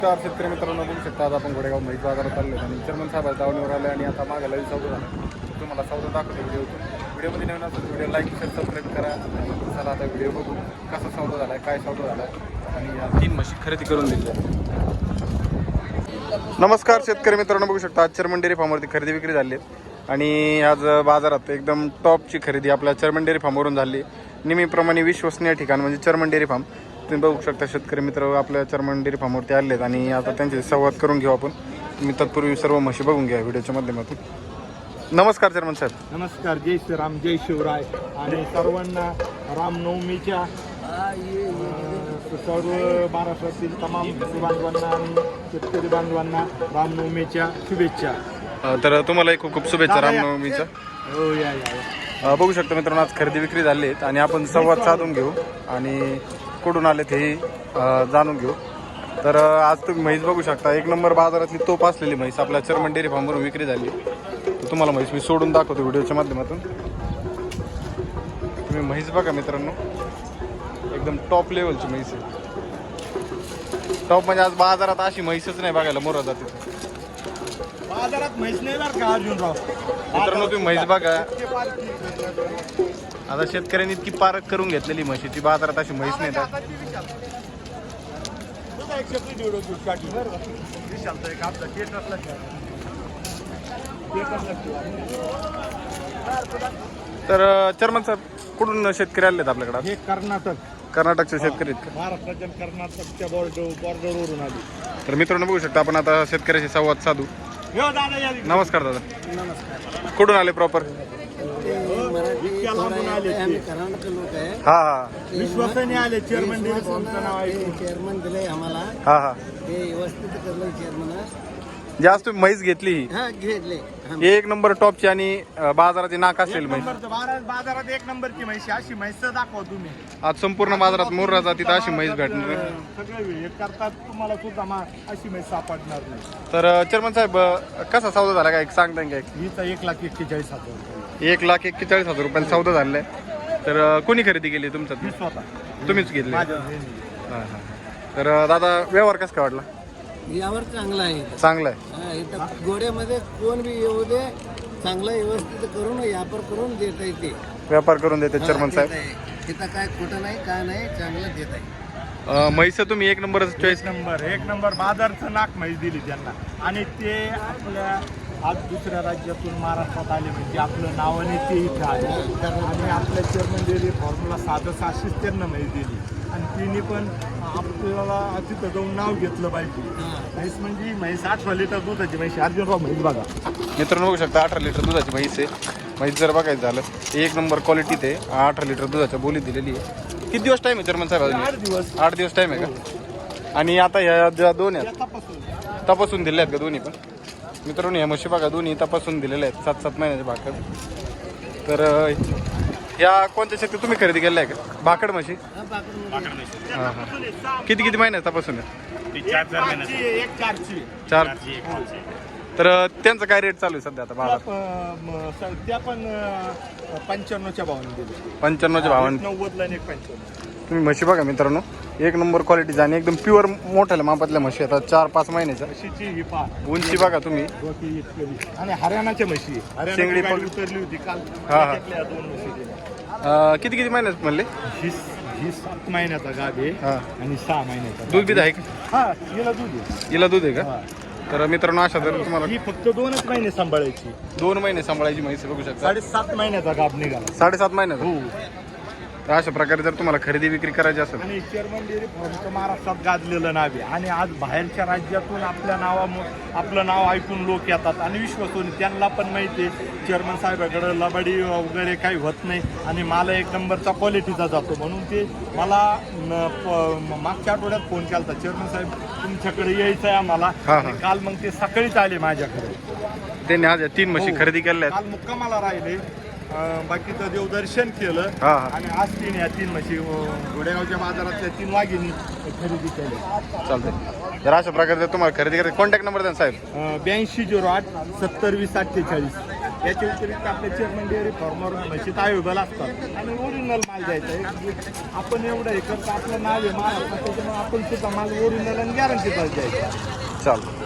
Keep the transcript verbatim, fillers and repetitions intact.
चार शेतकरी मित्रांनो बघू शकता. आज आपण घोडेगाव म्हैस बाजारात आलो आणि चर्मन साहेब दावणीवर आले आणि आता मागायला सौदा झाला. तुम्हाला सौदा दाखवतो व्हिडिओतून. व्हिडिओमध्ये नवीन असेल व्हिडिओ लाईक शेअर सबस्क्राईब करा. चला आता व्हिडिओ बघू कसा सौदा झाला आहे, काय सौदा झाला आहे आणि या तीन म्हशी खरेदी करून दिल्या. नमस्कार शेतकरी मित्रांनो, बघू शकता आज चर्मन डेअरी फार्मवरती खरेदी विक्री झाली आहे आणि आज बाजारात एकदम टॉपची खरेदी आपल्या चर्मन डेअरी फार्मवरून झाली. नेहमीप्रमाणे विश्वसनीय ठिकाण म्हणजे चर्मन डेअरी फार्म. तुम्ही बघू शकता शेतकरी मित्र आपल्या चर्मन डेअरी फार्मवरती आले आहेत आणि आता त्यांचे संवाद करून घेऊ आपण. तुम्ही तत्पूर्वी सर्व म्हशी बघून घ्या व्हिडिओच्या माध्यमातून. नमस्कार चर्मन साहेब. नमस्कार. जय श्रीराम, जय शिवराय आणि सर्वांना रामनवमीच्या सर्व महाराष्ट्रातील तमाम बांधवांना आणि शेतकरी बांधवांना रामनवमीच्या शुभेच्छा. तर तुम्हालाही खूप खूप शुभेच्छा रामनवमीच्या. हो या या बघू शकता मित्रांनो आज खरेदी विक्री झाली आहेत आणि आपण संवाद साधून घेऊ आणि कुठून आले ते जाणून घेऊ. तर आज तुम्ही म्हैस बघू शकता, एक नंबर बाजारातली तोप असलेली म्हैस आपल्या चर्मन डेअरी फार्मवरून विक्री झाली. तर तुम्हाला म्हैस मी सोडून दाखवतो व्हिडिओच्या माध्यमातून. तुम्ही म्हैस बघा मित्रांनो, एकदम टॉप लेवलची म्हैस आहे. टॉप म्हणजे आज बाजारात अशी म्हैसच नाही बघायला मोरा जाते. बाजारात म्हैस नाही बरं का अर्जुनराव. मित्रांनो तुम्ही म्हैस बघा, आता शेतकऱ्यांनी इतकी पारख करून घेतलेली म्हशीची, बाजारात अशी म्हैस नाही. तर चर्मन साहेब कुठून शेतकरी आलेत आपल्याकडे? हे कर्नाटक कर्नाटकचे शेतकरी आहेत का? महाराष्ट्राच्या कर्नाटकच्या बॉर्डर बॉर्डरवरून आली. तर मित्रांनो बघू शकता आपण आता शेतकऱ्याशी संवाद साधू. नमस्कार दादा. नमस्कार. कुठून आले प्रॉपर? हा हा विश्वासाने आले. चेअरमन डेअरी फार्मचं नाव आहे. चेअरमन दिलंय आम्हाला. हा हा ते व्यवस्थित करलं चेअरमन. जास्त तुम्ही म्हैस घेतली ही हा घेतले. एक नंबर टॉपची आणि बाजाराची नाक असेल म्हैस. बाजारात एक नंबरची म्हैस अशी म्हैस दाखवा तुम्ही. आज संपूर्ण बाजारात मोर्रा जातीत अशी म्हैस भेटणार. सगळे हे करतात, तुम्हाला सुद्धा मा अशी म्हैस सापडणार नाही. तर चेअरमन साहेब कसा सौदा झाला काय सांगता का? हीचा एक लाख एक्केचाळीस हजार एक लाख एक्केचाळीस हजार रुपयांचा सौदा झालेला आहे. तर कोणी खरेदी केली तुमचा? मी स्वतः. तुम्हीच घेतली? माझ्या हां हां. तर दादा व्यवहार कसा काय वाटला? यावर चांगला आहे. चांगला आहे. हा, इथं गोड्यामध्ये कोण बी येऊ दे, चांगलं व्यवस्थित करून व्यापार करून देता येते. व्यापार करून देते चेअरमन साहेब. तिथं काय खोटं नाही, काय नाही, चांगलं देत आहे. म्हैस तुम्ही एक नंबर चॉईस. एक नंबर एक नंबर बाजारचं नाक म्हैस दिली त्यांना. आणि ते आपल्या आज दुसऱ्या राज्यातून महाराष्ट्रात आले म्हणजे आपलं नावाने ते इथं आले आणि आपल्या चेअरमन डेअरी फॉर्मला साधं सहाशेच त्यांना म्हैस दिली आणि तिने पण आपल्याला तिथं जाऊन नाव घेतलं पाहिजे. म्हैस म्हणजे म्हैस अठरा लिटर दुधाची म्हैस. अर्जुनराव म्हैस बघा मित्रांनो बघू शकता, अठरा लिटर दुधाची म्हैस आहे. म्हैस जर बघायचं झालं एक नंबर क्वालिटीत आहे. अठरा लिटर दुधाच्या बोली दिलेली आहे. किती दिवस टाईम आहे चेअरमन साहेब? आठ दिवस आठ दिवस टाईम आहे का? आणि आता ह्या ज्या दोन आहेत तपासून दिल्या आहेत का दोन्ही पण? मित्रांनो ह्या म्हशी बघा, दोन्ही तपासून दिलेल्या आहेत, सात सात महिन्याच्या भाकड. तर ह्या कोणत्या शेती तुम्ही खरेदी केल्या आहे का? भाकड म्हशी. हां हां. किती किती महिन्यात तपासून आहे? एक चारची चार. तर त्यांचं काय रेट चालू आहे सध्या आता बाजार? त्या पण पंच्याण्णवच्या भावाने दिले. पंच्याण्णवच्या भावाने. नव्वदला आणि एक पंच्याण्णव. तुम्ही म्हशी बघा मित्रांनो, एक नंबर क्वालिटीचा आणि एकदम प्युअर मोठ्या मापातल्या म्हशी आहेत. चार पाच महिन्याच्या. म्हशीची ही पा उंची बघा तुम्ही. आणि हरियाणाच्या म्हशी. शेंगडी हरियाणाची उतरली होती काल. हा, हा. त्यातल्या दोन म्हशी दिल्या. अं, किती किती महिन्यात म्हणले? ही ही सात महिन्याचा गाभ आहे हा. आणि सहा महिन्याचा. दूध बीध आहे का? हा हिला दूध आहे. हिला दूध आहे का? हा. तर मित्रांनो अशा जर तुम्हाला ही फक्त दोनच महिने सांभाळायची. दोन महिने सांभाळायची म्हैस बघू शकता. साडेसात महिन्याचा गाभ निघाला. साडेसात महिन्यात. हो. तर अशा प्रकारे जर तुम्हाला खरेदी विक्री करायची असेल आणि चेअरमन डेअरी फार्मचं महाराष्ट्रात गाजलेलं नाव आहे आणि आज बाहेरच्या राज्यातून आपल्या नावा आपलं नाव ऐकून लोक येतात आणि विश्वासून त्यांना पण माहिती आहे चेअरमन साहेबाकडं लबाडी वगैरे काही होत नाही आणि मला एक नंबरचा क्वालिटीचा जातो. म्हणून ते मला मागच्या आठवड्यात फोन केला होता, चेअरमन साहेब तुमच्याकडे यायचं आहे आम्हाला. काल मग ते सकाळीच आले माझ्याकडे. त्यांनी आज तीन म्हशी खरेदी केल्या काल मुक्कामाला राहिले. बाकीचं देवदर्शन केलं हा, हा. आणि आज तीन या तीन म्हशी घोडेगावच्या बाजारातल्या तीन वाघिणी खरेदी केल्या. चालतंय. तर अशा प्रकारे जर तुम्हाला खरेदी करायची कॉन्टॅक्ट नंबर द्या साहेब. ब्याऐंशी झिरो आठ सत्तर वीस अठ्ठेचाळीस. याच्या व्यतिरिक्त आपल्या चेअरमन डेअरी फार्मवर म्हशीत अवेलेबल असतात आणि ओरिजिनल माल द्यायचा आहे. आपण एवढं हे करतो, आपलं नाव आहे महाराष्ट्रात, त्याच्यामुळे आपण सुद्धा माल ओरिजिनल आणि गॅरंटीचाच द्यायचा. चालतं.